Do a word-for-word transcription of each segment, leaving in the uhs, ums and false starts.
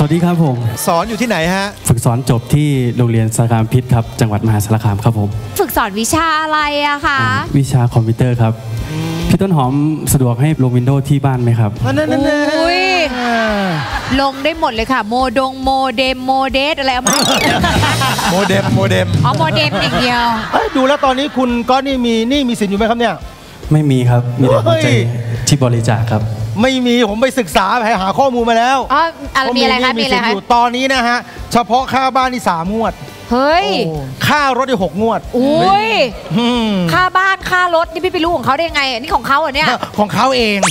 วัสดีครับผมสอนอยู่ที่ไหนฮะฝึกสอนจบที่โรงเรียนสารคามพิษครับจังหวัดมหาสารคามครับผมฝึกสอนวิชาอะไรอะคะวิชาคอมพิวเตอร์ครับพี่ต้นหอมสะดวกให้ลงวินโดว์ที่บ้านไหมครับนั่นนั่นลงได้หมดเลยค่ะโมดงโมเดมโมเดสอะไรเอามาโมเดมโมเดมอ๋อโมเดมอย่างเดียวดูแล้วตอนนี้คุณก็นี่มีนี่มีสินอยู่ไหมครับเนี่ยไม่มีครับมีแต่หัวใจที่บริจาคครับไม่มีผมไปศึกษาไปหาข้อมูลมาแล้วอ๋ออะไรมีอะไรคะมีอะไรคะตอนนี้นะฮะเฉพาะค่าบ้านนี่สามงวดเฮ้ยค่ารถได้หกงวดอุ้ยค่าบ้านค่ารถนี่พี่ไปรู้ของเขาได้ยังไงนี่ของเขาเหรอเนี่ยของเขาเอง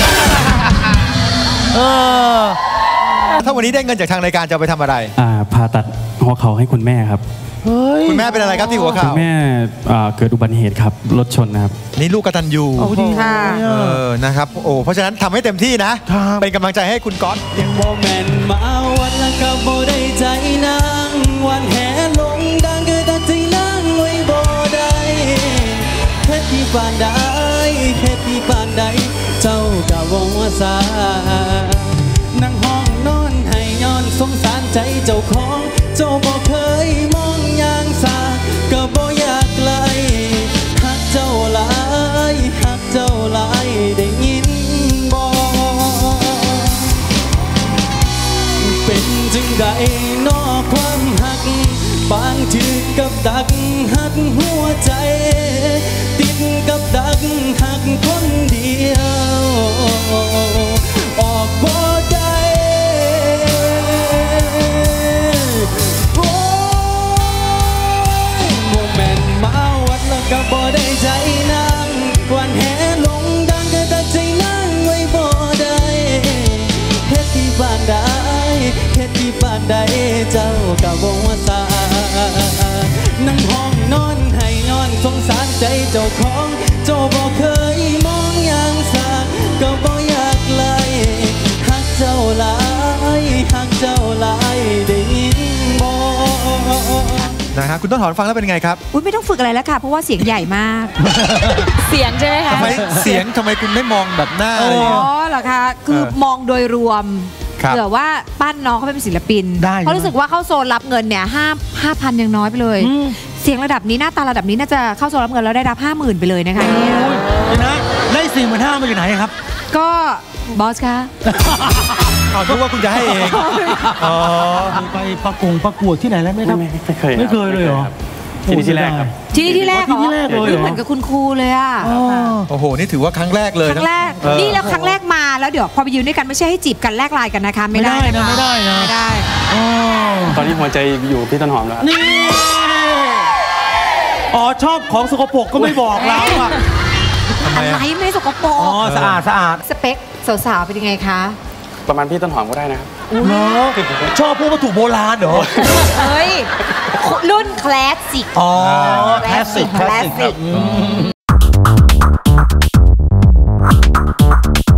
เออถ้าวันนี้ได้เงินจากทางรายการจะไปทำอะไรอ่าผ่าตัดหัวเข่าให้คุณแม่ครับคุณแม่เป็นอะไรครับที่หัวเข่าคุณแม่เกิดอุบัติเหตุครับรถชนนะครับนี่ลูกกตัญญูค่ะเออนะครับโอ้เพราะฉะนั้นทำให้เต็มที่นะเป็นกำลังใจให้คุณก๊อตยังโมเมนต์มาวันละกับโบได้ใจนางวันแห่ลงดังเกิดตัดใจนางไว้โบได้เฮ็ดที่ปานใดเฮ็ดที่ปานใดเจ้ากะวงว่าสานั่งห้องนอนให้ย้อนสงสารใจเจ้าของเจ้าบ่เคยมองอย่างสาก็บ่อยากไกลหักเจ้าหลายหักเจ้าหลายได้ยินบ่เป็นจึงใดนอความหักบางถือกับดักหักหัวใจติดกับดักหักคนเดียวออกบ่ได้โอ้โมเมนต์มาวัดแล้วก็บ่ได้ใจนางวันแห่ลงดังก็ตัดใจนางไว้บ่ได้เฮ็ดที่บ้านใดเฮ็ดที่บ้านใดเจ้าก็บ่ว่าสานั่งห้องนอนให้ย้อนสงสารใจเจ้าของเจ้าบ่เคยมองอย่างสาก็บ่อยากไล่หักเจ้าหลายหักเจ้าหลายได้ยินบ่นะฮะคุณต้นหอมฟังแล้วเป็นไงครับอุ้ยไม่ต้องฝึกอะไรแล้วค่ะเพราะว่าเสียงใหญ่มากเสียงใช่ไหมคะทำไมเสียงทำไมคุณไม่มองแบบหน้าอ๋อเหรอคะคือมองโดยรวมเผื่อว่าปั้นน้องเขาเป็นศิลปินเพราะรู้สึกว่าเข้าโซนรับเงินเนี่ยห้าห้าพันยังน้อยไปเลยเสียงระดับนี้หน้าตาระดับนี้น่าจะเข้าโซนรับเงินแล้วได้รับห้าหมื่นไปเลยนะคะเนี่ยนะได้สี่หมื่นห้ามาจากไหนครับก็บอสคะเอาคิดว่าคุณจะให้เองอ๋อไปประกงประกวดที่ไหนแล้วไม่ไม่เคยไม่เคยเลยเหรอที่นี่ที่แรกครับที่นี่ที่แรกที่แรกเลยเหมือนกับคุณครูเลยอ่ะโอ้โหนี่ถือว่าครั้งแรกเลยครั้งแรกนี่แล้วครั้งแรกมาแล้วเดี๋ยวพอไปยืนด้วยกันไม่ใช่ให้จีบกันแลกไลน์กันนะคะไม่ได้นะไม่ได้นะไม่ได้ตอนนี้หัวใจอยู่พี่ต้นหอมแล้วนี่อ๋อชอบของสกปรกก็ไม่บอกเราอ่ะอะไรไม่สกปรกอ๋อสะอาดสะอาดสเปคสาวๆเป็นยังไงคะประมาณพี่ต้นหอมก็ได้นะครับเนาะชอบพวกวัตถุโบราณเหรอเฮ้ยรุ่นคลาสสิกอ๋อคลาสสิกคลาสสิก